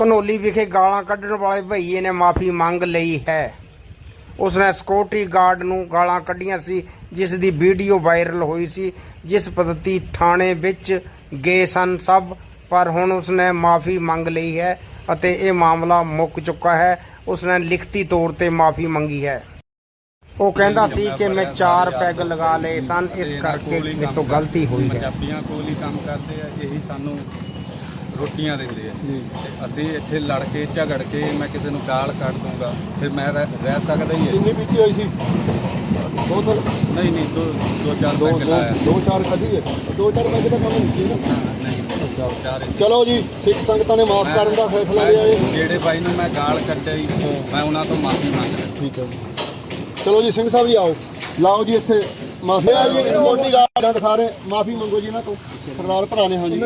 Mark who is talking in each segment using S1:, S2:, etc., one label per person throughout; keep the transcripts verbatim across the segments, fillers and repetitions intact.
S1: ਘਨੌਲੀ ਵਿਖੇ ਗਾਲਾਂ ਕੱਢਣ ਵਾਲੇ ਭਈਏ ਨੇ ਮਾਫੀ ਮੰਗ ਲਈ ਹੈ। ਉਸਨੇ ਸਿਕਿਉਰਿਟੀ ਗਾਰਡ ਨੂੰ ਗਾਲਾਂ ਕੱਢੀਆਂ ਸੀ, ਜਿਸ ਦੀ ਵੀਡੀਓ ਵਾਇਰਲ ਹੋਈ ਸੀ, ਜਿਸ ਪद्धਤੀ ਥਾਣੇ ਵਿੱਚ ਗਏ ਸਨ ਸਭ, ਪਰ ਹੁਣ ਉਸਨੇ ਮਾਫੀ ਮੰਗ ਲਈ ਹੈ ਅਤੇ ਇਹ ਮਾਮਲਾ ਮੁੱਕ ਚੁੱਕਾ ਹੈ। ਉਸਨੇ ਲਿਖਤੀ ਤੌਰ ਤੇ ਮਾਫੀ ਮੰਗੀ ਹੈ। ਉਹ ਕਹਿੰਦਾ ਸੀ ਕਿ ਮੈਂ ਚਾਰ ਪੈਗ ਲਗਾ ਲਏ ਸਨ, ਇਸ ਕਰਕੇ ਮੇਰੇ ਤੋਂ ਗਲਤੀ ਹੋਈ ਹੈ।
S2: ਪੰਜਾਬੀਆਂ ਕੋਲ ਹੀ ਕੰਮ ਕਰਦੇ ਆ, ਇਹੀ ਸਾਨੂੰ ਰੋਟੀਆਂ ਦਿੰਦੇ ਆ। ਅਸੀਂ ਇੱਥੇ ਲੜ ਕੇ ਝਗੜ ਕੇ ਮੈਂ ਕਿਸੇ ਨੂੰ ਗਾਲ ਕੱਢ ਦੂੰਗਾ, ਫਿਰ ਮੈਂ ਰਹਿ ਸਕਦਾ ਹੀ ਹੈ।
S3: ਕਿੰਨੀ ਪੀਤੀ ਹੋਈ ਸੀ? ਦੋ ਤਾਂ
S2: ਨਹੀਂ ਨਹੀਂ ਦੋ ਦੋ ਚਾਰ ਪੈਗ ਲਾਇਆ।
S3: ਦੋ ਚਾਰ ਖਾਧੀ ਹੈ, ਦੋ ਚਾਰ ਪੈਗ ਦਾ ਕੰਮ ਨਹੀਂ ਸੀ ਨਾ। ਚਲੋ ਜੀ, ਸਿੱਖ ਸੰਗਤਾਂ ਨੇ ਮਾਫ ਕਰਨ ਦਾ ਫੈਸਲਾ ਲਿਆ ਹੈ।
S2: ਜਿਹੜੇ ਬਾਈ ਨੂੰ ਮੈਂ ਗਾਲ ਕੱਢੀ, ਮੈਂ ਉਹਨਾਂ ਤੋਂ ਮਾਫੀ ਮੰਗਦਾ।
S3: ਠੀਕ ਹੈ, ਚਲੋ ਜੀ ਸਿੰਘ ਸਾਹਿਬ ਜੀ ਆਓ, ਲਾਓ ਜੀ ਇੱਥੇ ਮਾਫੀ ਆ ਜੀ। ਸਿਕਿਉਰਿਟੀ ਗਾਰਡ ਦਿਖਾ ਰਹੇ, ਮਾਫੀ ਮੰਗੋ ਜੀ ਇਹਨਾਂ ਤੋਂ, ਸਰਦਾਰ ਭਰਾ ਨੇ। ਹਾਂਜੀ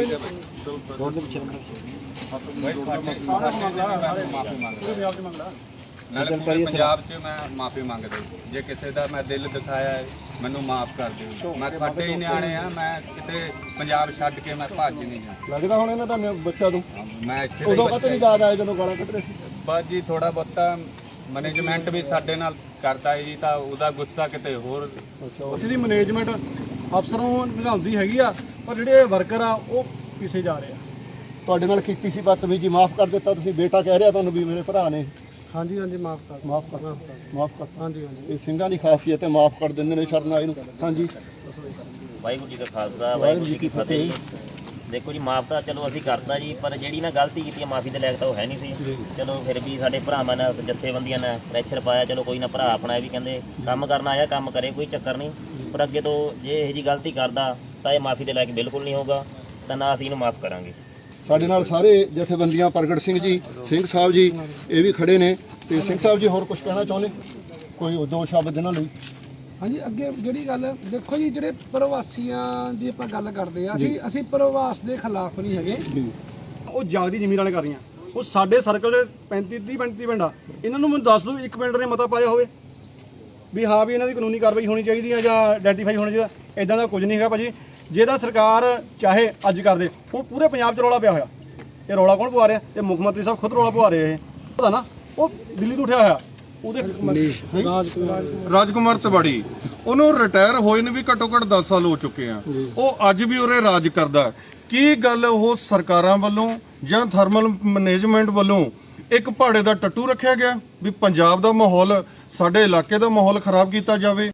S2: ਪੰਜਾਬ 'ਚ ਮੈਂ ਮਾਫੀ ਮੰਗਦਾ, ਜੇ ਕਿਸੇ ਦਾ ਮੈਂ ਦਿਲ ਦਿਖਾਇਆ ਹੈ ਮੈਨੂੰ ਮਾਫ ਕਰ ਦਿਓ। ਮੈਂ ਖੱਟੇ ਹੀ ਨਿਆਣੇ ਆ, ਮੈਂ ਕਿਤੇ ਪੰਜਾਬ ਛੱਡ ਕੇ ਮੈਂ ਭੱਜ ਨਹੀਂ ਜਾਣਾ।
S3: ਲੱਗਦਾ ਹੁਣ ਇਹਨਾਂ ਦਾ ਬੱਚਾ ਤੋਂ
S2: ਮੈਂ ਇੱਥੇ
S3: ਉਦੋਂ ਕਦੇ ਨਹੀਂ ਯਾਦ ਆਇਆ ਜਦੋਂ ਗਾਲਾਂ ਕੱਢ ਰਹੇ ਸੀ?
S2: ਬਸ ਜੀ ਥੋੜਾ ਬਹੁਤਾ ਮੈਨੇਜਮੈਂਟ ਵੀ ਸਾਡੇ ਨਾਲ ਕਰਦਾ ਹੈ ਜੀ, ਤਾਂ ਉਹਦਾ ਗੁੱਸਾ ਕਿਤੇ ਹੋਰ।
S4: ਉੱਥੇ ਦੀ ਮੈਨੇਜਮੈਂਟ ਅਫਸਰਾਂ ਨੂੰ ਨਿਭਾਉਂਦੀ ਹੈਗੀ ਆ, ਪਰ ਜਿਹੜੇ ਵਰਕਰ ਆ ਉਹ ਪਿੱਛੇ ਜਾ ਰਹੇ ਆ।
S3: ਤੁਹਾਡੇ ਨਾਲ ਕੀਤੀ ਸੀ ਬਦਤਮੀਜੀ, ਮਾਫ ਕਰ ਦਿੱਤਾ ਤੁਸੀਂ? ਬੇਟਾ ਕਹਿ ਰਿਹਾ ਤੁਹਾਨੂੰ ਵੀ ਮੇਰੇ ਭਰਾ ਨੇ।
S4: ਹਾਂਜੀ ਹਾਂਜੀ ਮਾਫ ਕਰ
S3: ਮਾਫ ਕਰ ਮਾਫ ਕਰ
S4: ਹਾਂਜੀ ਹਾਂਜੀ
S3: ਇਹ ਸਿੰਘਾਂ ਦੀ ਖਾਸੀਅਤ ਹੈ, ਮਾਫ ਕਰ ਦਿੰਦੇ ਨੇ ਸ਼ਰਨਾਈ ਨੂੰ। ਹਾਂਜੀ,
S5: ਵਾਹਿਗੁਰੂ ਜੀ ਦਾ ਖਾਲਸਾ ਵਾਹਿਗੁਰੂ ਜੀ ਕੀ ਫਤਿਹ। ਦੇਖੋ ਜੀ, ਮਾਫ ਤਾਂ ਚਲੋ ਅਸੀਂ ਕਰਤਾ ਜੀ, ਪਰ ਜਿਹੜੀ ਨਾ ਗਲਤੀ ਕੀਤੀ ਹੈ ਮਾਫੀ ਦੇ ਲਾਇਕ ਤਾਂ ਉਹ ਹੈ ਨਹੀਂ ਸੀ। ਚਲੋ ਫਿਰ ਵੀ ਸਾਡੇ ਭਰਾਵਾਂ ਨੇ, ਜਥੇਬੰਦੀਆਂ ਨੇ ਪ੍ਰੈਸ਼ਰ ਪਾਇਆ। ਚਲੋ ਕੋਈ ਨਾ, ਭਰਾ ਆਪਣਾ ਵੀ ਕਹਿੰਦੇ ਕੰਮ ਕਰਨਾ ਆਇਆ, ਕੰਮ ਕਰੇ, ਕੋਈ ਚੱਕਰ ਨਹੀਂ। ਪਰ ਅੱਗੇ ਤੋਂ ਜੇ ਇਹੋ ਜਿਹੀ ਗਲਤੀ ਕਰਦਾ ਤਾਂ ਇਹ ਮਾਫੀ ਦੇ ਲਾਇਕ ਬਿਲਕੁਲ ਨਹੀਂ ਹੋਊਗਾ, ਤਾਂ ਨਾ ਅਸੀਂ ਇਹਨੂੰ ਮਾਫ ਕਰਾਂਗੇ।
S3: ਸਾਡੇ ਨਾਲ ਸਾਰੇ ਜਥੇਬੰਦੀਆਂ, ਪ੍ਰਗਟ ਸਿੰਘ ਜੀ, ਸਿੰਘ ਸਾਹਿਬ ਜੀ, ਇਹ ਵੀ ਖੜੇ ਨੇ। ਤੇ ਸਿੰਘ ਸਾਹਿਬ ਜੀ ਹੋਰ ਕੁਝ ਕਹਿਣਾ ਚਾਹੁੰਦੇ? ਕੋਈ ਦੋ ਸ਼ਬਦ ਇਹਨਾਂ ਲਈ?
S4: ਹਾਂਜੀ, ਅੱਗੇ ਜਿਹੜੀ ਗੱਲ ਦੇਖੋ ਜੀ, ਜਿਹੜੇ ਪ੍ਰਵਾਸੀਆਂ ਦੀ ਆਪਾਂ ਗੱਲ ਕਰਦੇ ਆ, ਅਸੀਂ ਅਸੀਂ ਪ੍ਰਵਾਸ ਦੇ ਖਿਲਾਫ ਨਹੀਂ ਹੈਗੇ। ਉਹ ਜਾਗਦੀ ਜ਼ਮੀਨ ਵਾਲੇ ਕਰ ਰਹੀਆਂ। ਉਹ ਸਾਡੇ ਸਰਕਲ ਦੇ ਪੈਂਤੀ ਤੀਹ ਪੈਂਤੀ ਪਿੰਡ ਆ, ਇਹਨਾਂ ਨੂੰ ਮੈਨੂੰ ਦੱਸ ਦਿਓ ਇੱਕ ਪਿੰਡ ਨੇ ਮਤਾ ਪਾਇਆ ਹੋਵੇ ਵੀ ਹਾਂ ਵੀ ਇਹਨਾਂ ਦੀ ਕਾਨੂੰਨੀ ਕਾਰਵਾਈ ਹੋਣੀ ਚਾਹੀਦੀ ਹੈ ਜਾਂ ਆਈਡੈਂਟੀਫਾਈ ਹੋਣਾ ਚਾਹੀਦਾ। ਇਦਾਂ ਦਾ ਕੁਝ ਨਹੀਂ ਹੈਗਾ ਭਾਜੀ। ਜੇ ਤਾਂ ਸਰਕਾਰ ਚਾਹੇ ਅੱਜ ਕਰਦੇ, ਹੁਣ ਪੂਰੇ ਪੰਜਾਬ 'ਚ ਰੌਲਾ ਪਿਆ ਹੋਇਆ। ਇਹ ਰੌਲਾ ਕੌਣ ਪਵਾ ਰਿਹਾ? ਇਹ ਮੁੱਖ ਮੰਤਰੀ ਸਾਹਿਬ ਖੁਦ ਰੌਲਾ ਪਵਾ ਰਹੇ। ਇਹ ਪਤਾ ਨਾ, ਉਹ ਦਿੱਲੀ ਤੋਂ ਉੱਠਿਆ ਹੋਇਆ। ਉਹਦੇ
S6: ਰਾਜਕੁਮਾਰ ਤਿਵਾੜੀ, ਉਹਨੂੰ ਰਿਟਾਇਰ ਹੋਏ ਨੂੰ ਵੀ ਘੱਟੋ ਘੱਟ ਦਸ ਸਾਲ ਹੋ ਚੁੱਕੇ ਆ। ਉਹ ਅੱਜ ਵੀ ਉਰੇ ਰਾਜ ਕਰਦਾ। ਕੀ ਗੱਲ ਉਹ ਸਰਕਾਰਾਂ ਵੱਲੋਂ ਜਾਂ ਥਰਮਲ ਮੈਨੇਜਮੈਂਟ ਵੱਲੋਂ ਇੱਕ ਪਹਾੜੇ ਦਾ ਟੱਟੂ ਰੱਖਿਆ ਗਿਆ ਵੀ ਪੰਜਾਬ ਦਾ ਮਾਹੌਲ, ਸਾਡੇ ਇਲਾਕੇ ਦਾ ਮਾਹੌਲ ਖਰਾਬ ਕੀਤਾ ਜਾਵੇ?